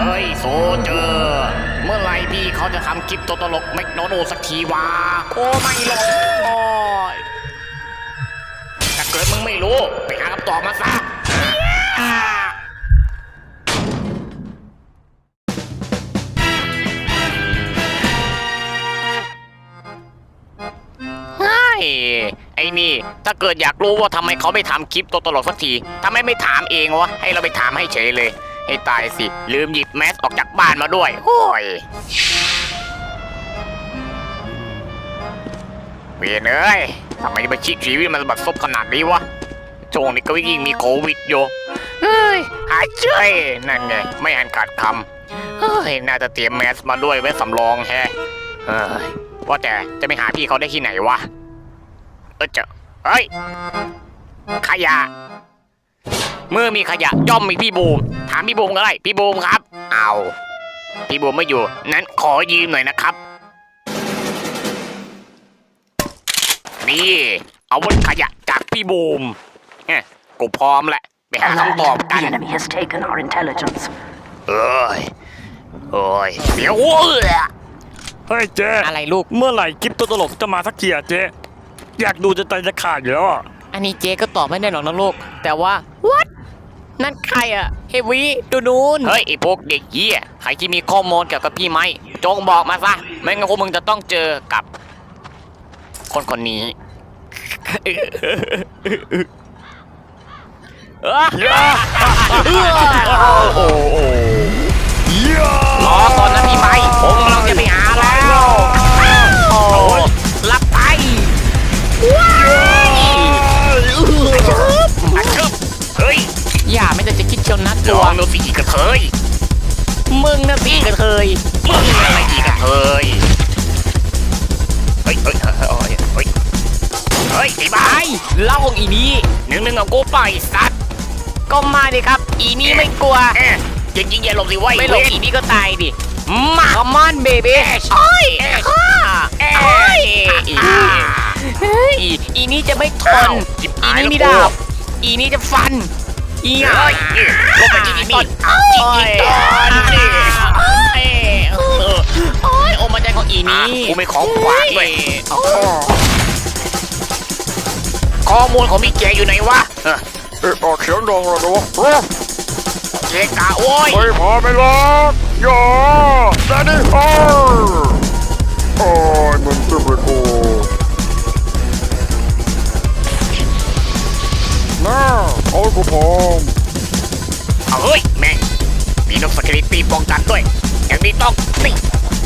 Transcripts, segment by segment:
ฮ้ยโซเจอร์เมื่อไหร่พี่เขาจะทำคลิปตัวตลกแมคโดนัลด์สักทีวะโอ้ไม่หรอกถ้าเกิดมึงไม่รู้ไปหาคำตอบมาซะไอ้นี่ถ้าเกิดอยากรู้ว่าทำไมเขาไม่ทำคลิปตัวตลกสักทีทำไมไม่ถามเองวะให้เราไปถามให้เฉยเลยให้ตายสิลืมหยิบแมสออกจากบ้านมาด้วยโอ้ยเวียนเอ้ยทำไมมาชีวิตมันบัดซบขนาดนี้วะช่วงนี้ก็ยิ่งมีโควิดอยู่เฮ้ยหายใจนั่นไงไม่หันขาดคำเฮ้ยน่าจะเตรียมแมสมาด้วยไว้สำรองแฮะว่าแต่จะไปหาพี่เขาได้ที่ไหนวะเฮ้ยขยะเมื่อมีขยะย่อมมีพี่บูมถามพี่บูมก็ได้พี่บูมครับเอาพี่บูมไม่อยู่นั้นขอยืมหน่อยนะครับนี่เอาวุธขยะจากพี่บูมกูพร้อมแหละไปหาคำตอบกันเอ้ยเดี๋ยวเฮ้ยเจ๊อะไรลูกเมื่อไหร่คลิปตัวตลกจะมาสักทีอะเจ๊อยากดูจะใจจะขาดอยู่แล้วอ่ะอันนี้เจ๊ก็ตอบไม่ได้หรอกนะลูกแต่ว่า what นั่นใครอะเฮวีดูนูนเฮ้ยไอพวกเด็กเหี้ยใครที่มีข้อมูลเกี่ยวกับพี่ไม้จงบอกมาซะไม่งั้นพวกมึงจะต้องเจอกับคนนี้รอก่อนนะพี่ไม้ผมกำลังจะไปหาแล้วรับไปเฮ้ยอย่าไม่ได้จะคิดเชียวนัดตัวมึงสิกระเทยมึงนะสิกระเทยมึงอะไรอีกระเทยเฮ้ยไอ้บ้าเล่าของอีนี้นึงเอากูไปสัตว์ก็มาดิครับอีนี้ไม่กลัวจริงอย่าหลบสิไว้ไม่หลบอีนี้ก็ตายดิมาคอมมอนเบบี้อีนี้จะไม่ทนอีนี้มีดาบอีนี้จะฟันอีก็ไปจิกอีต้นโอ้ยโอ้มาใจของอีนี้กูไม่ของขวางด้วยข้อมูลของมีเจอยู่ไหนวะออกเสียงดังเลยนะวะเจกะโว้ยไม่พอไม่รักอย่าแดนนี่ฮอร์โอ้ยมันจะเป็นโอ้น่าโอ้ยกูพร้อมเฮ้ยแม่งมีนกสกิลิตี้ป้องกันด้วยอย่างนี้ต้องนี่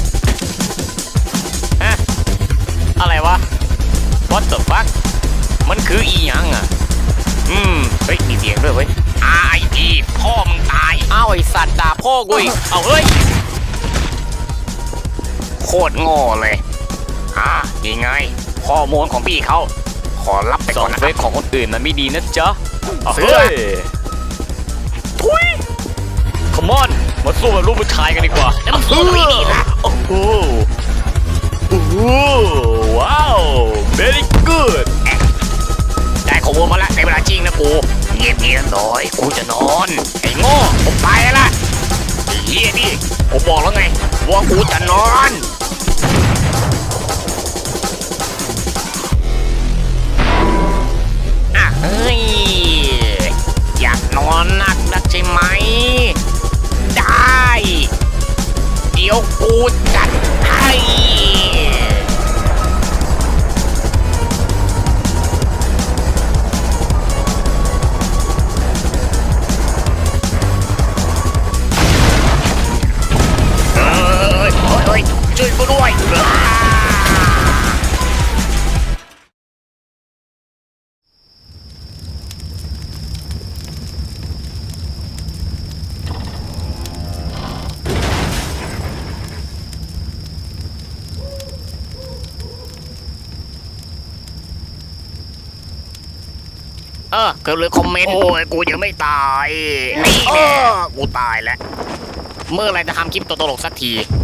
อะไรวะ What the fuck มันคืออีหยังอ่ะเฮ้ยมีเสียงด้วยเว้ย R.I.P พ่อมึงตายอ้าวไอสัตว์ด่าพ่อกูอีกเอาเฮ้ยโคตรโง่เลยนี่ไงข้อมูลของพี่เขาขอรับไปก่อนนะเฟซของคนอื่นมันไม่ดีนะจ๊ะเฮ้ยทุยคอมอนมาสู้กับลูกผู้ชายกันดีกว่าแล้วมันสู้ไม่ดีละโอ้โหว้าว very good ได้ข้อมูลมาแล้วในเวลาจริงนะกูเงียบหน่อยกูจะนอนไอ้โง่ผมไปละไอ้เหี้ยดิผมบอกแล้วไงว่ากูจะนอนเฮ้ยอยากนอนนักใช่ไหมได้เดี๋ยวกูจัดให้ช่วยกูด้วยก็เลยคอมเมนต์โอ้ยกูยังไม่ตายนี่กูตายแล้วเมื่อไรจะทำคลิปตัวตลกสักที